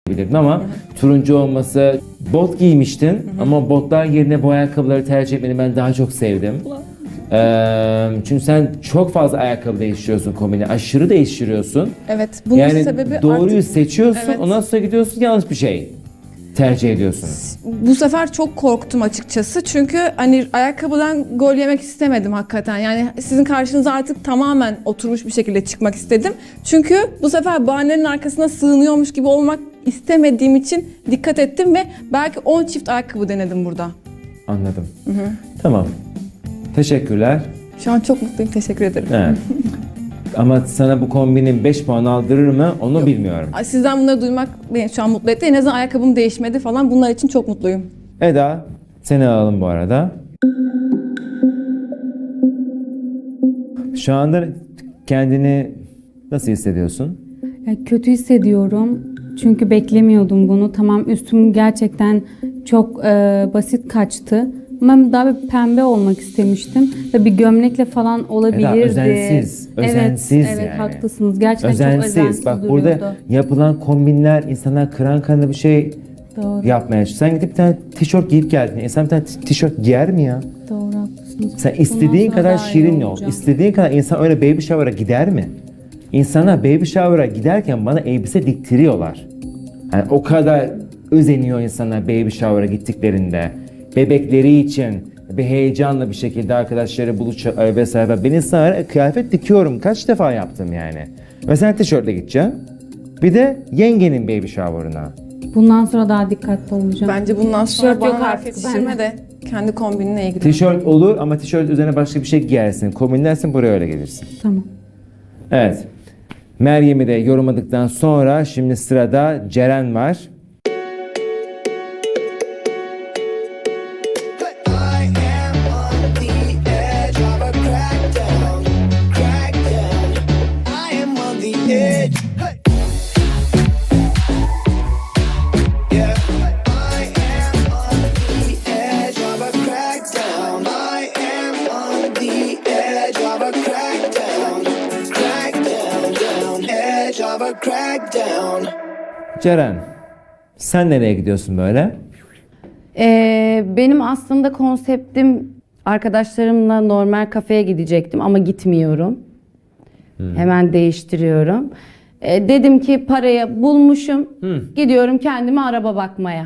bilirdim ama turuncu olması, bot giymiştin ama botlar yerine bu ayakkabıları tercih etmeni ben daha çok sevdim. Çünkü sen çok fazla ayakkabı değiştiriyorsun kombini, aşırı değiştiriyorsun. Evet, bunun Yani sebebi doğruyu artık seçiyorsun, Evet. ondan sonra gidiyorsun yanlış bir şey tercih ediyorsun. bu sefer çok korktum açıkçası. Çünkü hani ayakkabıdan gol yemek istemedim hakikaten. Yani sizin karşınıza artık tamamen oturmuş bir şekilde çıkmak istedim. Çünkü bu sefer bahanenin arkasına sığınıyormuş gibi olmak istemediğim için dikkat ettim ve belki 10 çift ayakkabı denedim burada. Anladım. Tamam. Teşekkürler. Şu an çok mutluyum, teşekkür ederim. Evet. Ama sana bu kombinin 5 puan aldırır mı onu bilmiyorum. Sizden bunları duymak beni şu an mutlu etti. En azından ayakkabım değişmedi falan. Bunlar için çok mutluyum. Eda, seni alalım bu arada. Şu anda kendini nasıl hissediyorsun? Ya kötü hissediyorum. Çünkü beklemiyordum bunu. Tamam, üstüm gerçekten çok basit kaçtı. Ama daha bir pembe olmak istemiştim. Ve bir gömlekle falan olabilirdi. Eda, özensiz. Özensiz evet, yani. haklısınız. Gerçekten çok Özensiz. özensiz Bak duruyordu. burada yapılan kombinler insanlar kıran kanı bir şey Doğru, yapmaya çalışıyor. Sen gidip bir tane tişört giyip geldin. İnsan bir tane tişört giyer mi ya? doğru haklısınız. Sen Bundan istediğin sonra kadar daha iyi şirin ol. olacağım. İstediğin kadar insan öyle baby shower'a gider mi? İnsanlar baby shower'a giderken bana elbise diktiriyorlar. Yani o kadar özeniyor insanlar baby shower'a gittiklerinde. Bebekleri için bir heyecanla bir şekilde arkadaşları buluşuyor vesaire. Ben insanlara kıyafet dikiyorum. Kaç defa yaptım yani. Ve sen tişörtle gideceksin. Bir de yengenin baby shower'ına. Bundan sonra daha dikkatli olacağım. Bence bundan sonra Tişört yok bana artık yetiştirme de kendi kombinine ilgili. Tişört olur ama tişört üzerine başka bir şey giyersin. Kombinlersin, buraya öyle gelirsin. Tamam. Evet. Meryem'i de yorumladıktan sonra şimdi sırada Ceren var. I am on the edge of a crackdown, crackdown. I am on the edge. Hey. Yeah. I am on the edge of a crackdown. I am on the edge of a crackdown, crackdown, down, edge of a crackdown. Ceren, sen nereye gidiyorsun böyle? Benim aslında konseptim arkadaşlarımla normal kafeye gidecektim ama gitmiyorum. Hemen değiştiriyorum. Dedim ki parayı bulmuşum. Gidiyorum kendime araba bakmaya.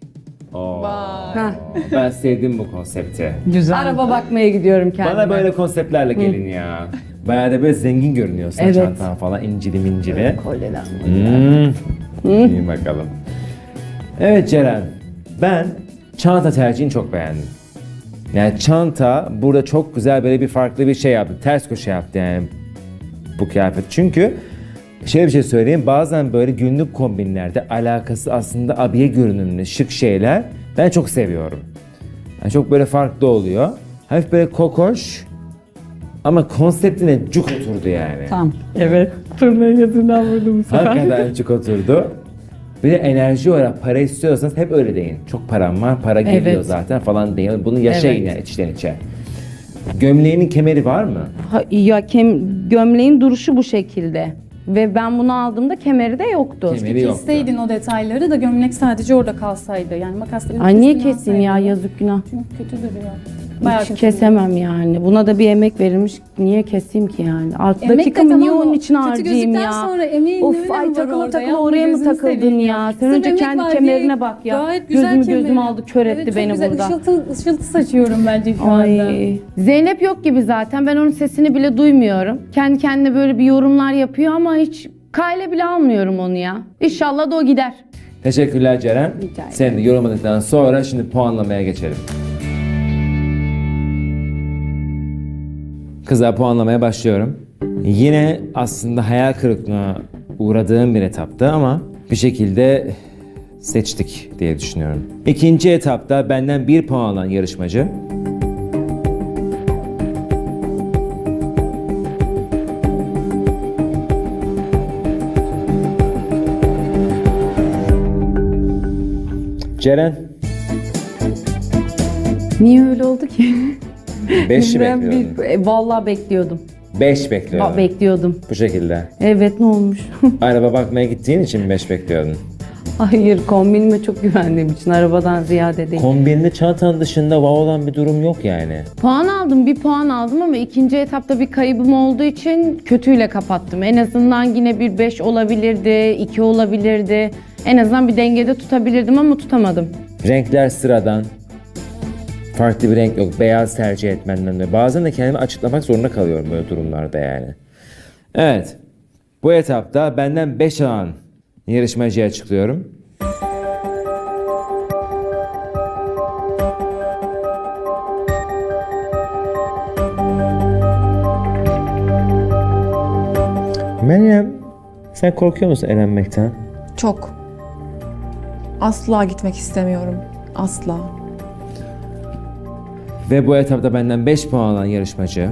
Ben sevdim bu konsepti. Araba bakmaya gidiyorum kendime. Bana böyle konseptlerle gelin ya. Bayağı da böyle zengin görünüyorsun, Evet. çantan falan incili mincili. Kolyeler. İyi bakalım. Evet Ceren, ben çanta tercihini çok beğendim. Yani çanta burada çok güzel böyle bir farklı bir şey yaptı. Ters köşe yaptı yani bu kıyafet. Çünkü şöyle bir şey söyleyeyim. Bazen böyle günlük kombinlerde alakası aslında abiye görünümlü şık şeyler ben çok seviyorum. Yani çok böyle farklı oluyor. Hafif böyle kokoş ama konseptine cuk oturdu yani. Tamam. Evet. Turnayı yazından vurdum bu sefer. Hakikaten cuk oturdu. Bir de enerji olarak para istiyorsanız hep öyle deyin. Çok param var, para geliyor Evet. zaten falan deyin. Bunu yaşayın Evet. yani içten içe. Gömleğinin kemeri var mı? Gömleğin duruşu bu şekilde. Ve ben bunu aldığımda kemeri de yoktu. Kemeri yok. Kesseydin o detayları da gömlek sadece orada kalsaydı. Yani makasla bir Ay niye keskin keseyim ya, alsaydın. yazık günah. Çünkü kötü duruyor. Bayağı Hiç kötü kesemem yani. Buna da bir emek verilmiş. Niye keseyim ki yani? Alt Emek de dakikamı niye tamam, onun için kötü harcayayım gözükten ya? sonra emeğin Of ne ay önemi var takılı orada takılı ya? oraya mı Gözünü takıldın seveyim ya? Sen Sırf önce emek kendi var kemerine diye bak ya. gayet güzel Gözümü kemeri. aldı, kör etti Evet, beni çok güzel. burada. Işıltı saçıyorum bence şu anda. Ay. Zeynep yok gibi zaten. Ben onun sesini bile duymuyorum. Kendi kendine böyle bir yorumlar yapıyor ama hiç kale bile almıyorum onu ya. İnşallah da o gider. Teşekkürler Ceren. Rica ederim. Seni de yorumladıktan sonra şimdi puanlamaya geçelim. Kızlar puanlamaya başlıyorum. Yine aslında hayal kırıklığına uğradığım bir etaptı ama bir şekilde seçtik diye düşünüyorum. İkinci etapta benden 1 puan alan yarışmacı Ceren. Niye öyle oldu ki? 5'i Ben bekliyordum. Vallahi bekliyordum. 5 bekliyordum. Bekliyordum. Bu şekilde. Evet, ne olmuş? Araba bakmaya gittiğin için mi 5 bekliyordun? Hayır, kombinime çok güvendiğim için arabadan ziyade değil. Kombininde çantanın dışında wow olan bir durum yok yani. Puan aldım, bir puan aldım ama ikinci etapta bir kaybım olduğu için kötüyle kapattım. En azından yine bir 5 olabilirdi, 2 olabilirdi. En azından bir dengede tutabilirdim ama tutamadım. Renkler sıradan. Farklı bir renk yok. Beyaz tercih etmenden dolayı. Bazen de kendimi açıklamak zorunda kalıyorum böyle durumlarda yani. Evet. Bu etapta benden 5 alan yarışmacıya açıklıyorum. Meryem, sen korkuyor musun elenmekten? Çok. Asla gitmek istemiyorum. Asla. Ve bu etapta benden 5 puan alan yarışmacı.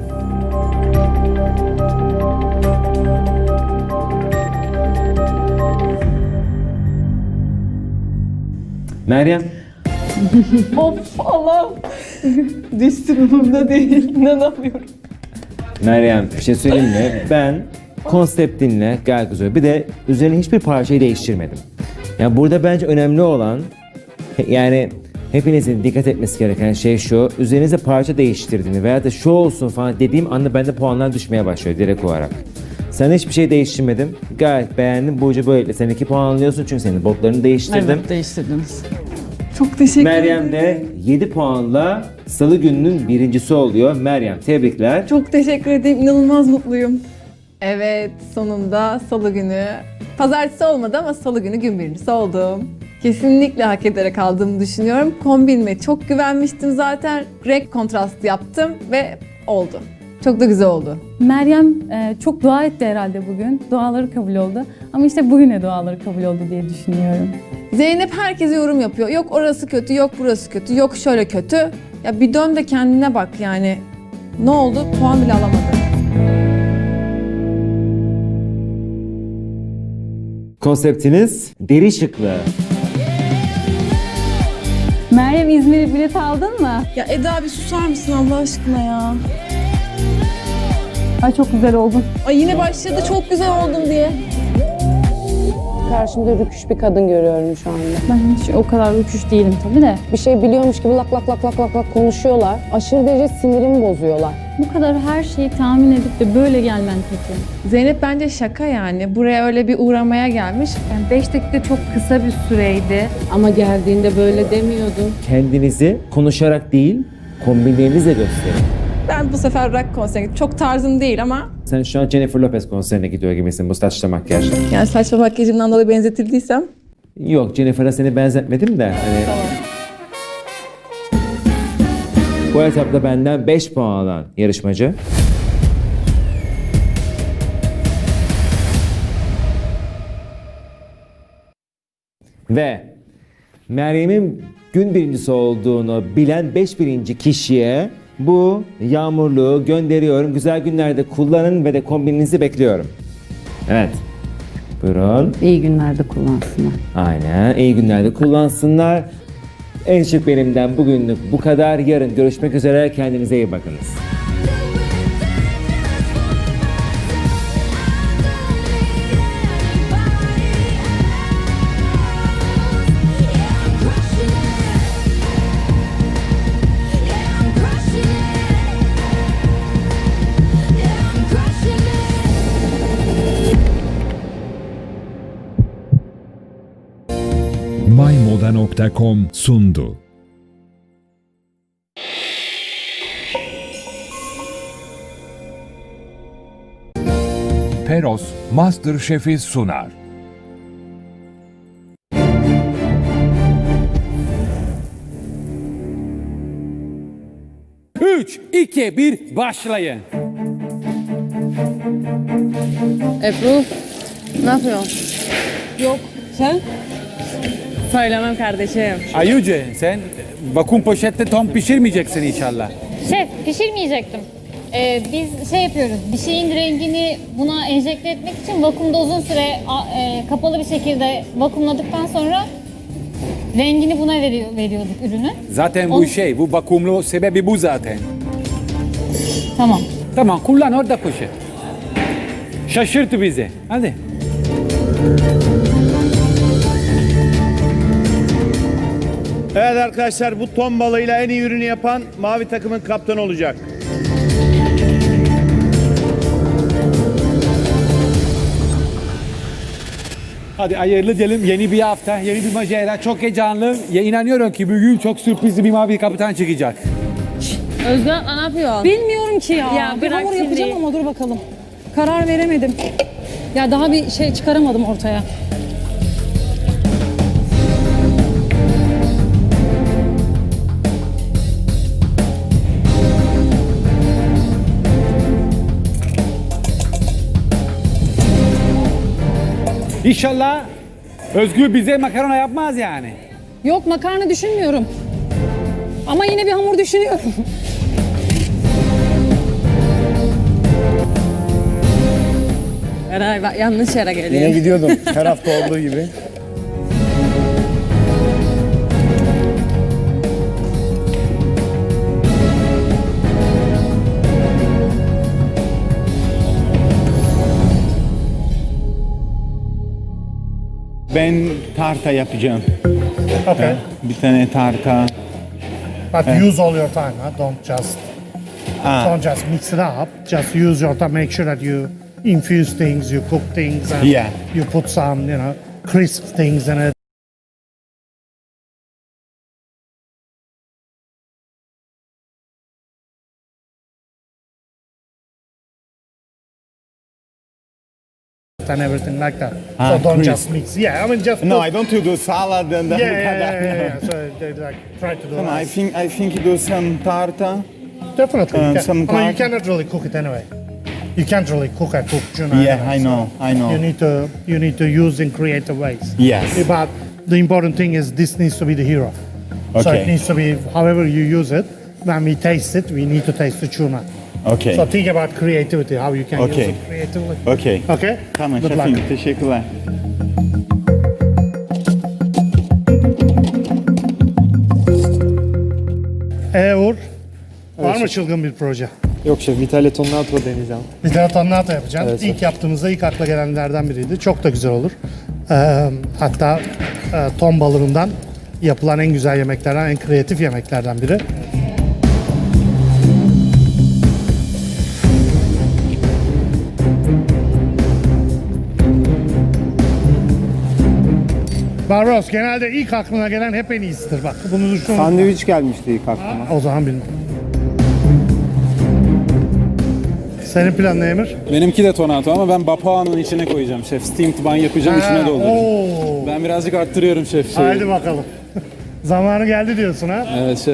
Meryem. Of Allah'ım. Düştüğümde değil. İnanamıyorum. Meryem, bir şey söyleyeyim mi? Ben konseptinle gayet güzel. Bir de üzerine hiçbir parçayı değiştirmedim. Yani burada bence önemli olan, yani hepinizin dikkat etmesi gereken şey şu: üzerinize parça değiştirdiğini veya da şu olsun falan dediğim anda bende puanlar düşmeye başlıyor direkt olarak. Sen hiçbir şey değiştirmedim. Gayet beğendim. Bu ucu böylelikle sen 2 puan alıyorsun çünkü senin botlarını değiştirdim. Evet, değiştirdiniz. Çok teşekkür ederim. Meryem de 7 puanla Salı gününün birincisi oluyor. Meryem, tebrikler. Çok teşekkür ederim. İnanılmaz mutluyum. Evet, sonunda salı günü. Pazartesi olmadı ama salı günü gün birincisi oldum. Kesinlikle hak ederek aldığımı düşünüyorum. Kombinime çok güvenmiştim zaten. Renk kontrastı yaptım ve oldu. Çok da güzel oldu. Meryem çok dua etti herhalde bugün. Duaları kabul oldu. Ama işte bugüne duaları kabul oldu diye düşünüyorum. Zeynep herkese yorum yapıyor. Yok orası kötü, yok burası kötü, yok şöyle kötü. Ya bir dön de kendine bak yani. Ne oldu? Puan bile alamadı. Konseptiniz deri şıklı. Meryem, İzmir'e bilet aldın mı? Ya Eda bir susar mısın Allah aşkına ya? Ay çok güzel oldun. Ay yine başladı çok güzel oldum diye. Karşımda rüküş bir kadın görüyorum şu anda. Ben hiç o kadar uçuş değilim tabii de. Bir şey biliyormuş gibi lak lak lak lak lak lak konuşuyorlar. Aşırı derece sinirimi bozuyorlar. Bu kadar her şeyi tahmin edip de böyle gelmen kötü. Zeynep bence şaka yani. Buraya öyle bir uğramaya gelmiş. Yani 5 dakika çok kısa bir süreydi. Ama geldiğinde böyle demiyordun. Kendinizi konuşarak değil, kombinlerinizle gösterin. Ben bu sefer rock konserine gittim. Çok tarzım değil ama Sen şu an Jennifer Lopez konserine gidiyor gibisin bu saçla makyajla. yani saçma makyajımdan dolayı benzetildiysem. Yok, Jennifer'a seni benzetmedim de hani... Bu etapta benden 5 puan alan yarışmacı. Ve Meryem'in gün birincisi olduğunu bilen 5 birinci kişiye bu yağmurluğu gönderiyorum. Güzel günlerde kullanın ve de kombininizi bekliyorum. Evet. Buyurun. İyi günlerde kullansınlar. Aynen. İyi günlerde kullansınlar. En şık benimden bugünlük bu kadar. Yarın görüşmek üzere. Kendinize iyi bakınız. mymoda.com sundu. Peros MasterChef'i sunar. Üç, 2, 1, başlayın. Ebru, ne yapıyorsun? Yok. Sen? Söylemem kardeşim. Ayuce, sen vakum poşette ton pişirmeyeceksin inşallah. Şef, pişirmeyecektim. Biz şey yapıyoruz, bir şeyin rengini buna enjekte etmek için vakumda uzun süre kapalı bir şekilde vakumladıktan sonra rengini buna veriyorduk ürünü. Zaten bu bu vakumlu sebebi bu zaten. Tamam. Tamam, kullan orada poşet. Şaşırt bizi, hadi. Evet arkadaşlar, bu ton balığıyla en iyi ürünü yapan mavi takımın kaptanı olacak. Hadi hayırlı diyelim. Yeni bir hafta, yeni bir macera. Çok heyecanlı. Ya inanıyorum ki bugün çok sürprizli bir mavi kaptan çıkacak. Özgür ne yapıyor? Bilmiyorum ki ya. Bir hamur yapacağım ama dur bakalım. Karar veremedim. Ya daha bir şey çıkaramadım ortaya. İnşallah Özgür bize makarna yapmaz yani. Yok makarna düşünmüyorum. Ama yine bir hamur düşünüyorum. Eray bak yanlış yere geliyor. Yine gidiyordum her hafta olduğu gibi. Ben tarta yapacağım. Okay. Bir tane tarta. But use all your time, huh? Don't just mix it up. Just use your time. Make sure that you infuse things, you cook things, and Yeah. you put some, crisp things in it. And everything like that. So don't just mix. Yeah, I mean just. No, put- I don't do salad and Yeah. So they try to do. I that. think you do some tarta. Definitely. You can. some I mean, you tart. cannot really cook it anyway. You can't really cook a cooked tuna. Yeah, anyway, I know, so I know. You need to use in creative ways. Yes. But the important thing is this needs to be the hero. So Okay. it needs to be however you use it. When we taste it, we need to taste the tuna. Okay. So think about creativity, how you can use Okay. it creatively. Okay. Okay. Tamam Good şefim, luck. teşekkürler. Uğur, var mı çılgın bir proje? Yok şef, Vitale Tonnato deneyeceğim. Bir de tornado yapacağım. Evet, İlk yaptığımızda ilk akla gelenlerden biriydi. Çok da güzel olur. Hatta ton balığından yapılan en güzel yemeklerden, en kreatif yemeklerden biri. Barbaros, genelde ilk aklına gelen hep en iyisidir bak. Bunu düşün. Sandviç gelmişti ilk aklıma. O zaman bilmem. Senin planın ne Emir? Benimki de tonato ama ben bapaağının içine koyacağım şef. Steamed bun yapacağım, içine dolduracağım. Oo. Ben birazcık arttırıyorum şef. Haydi bakalım. Zamanı geldi diyorsun ha? Evet şef.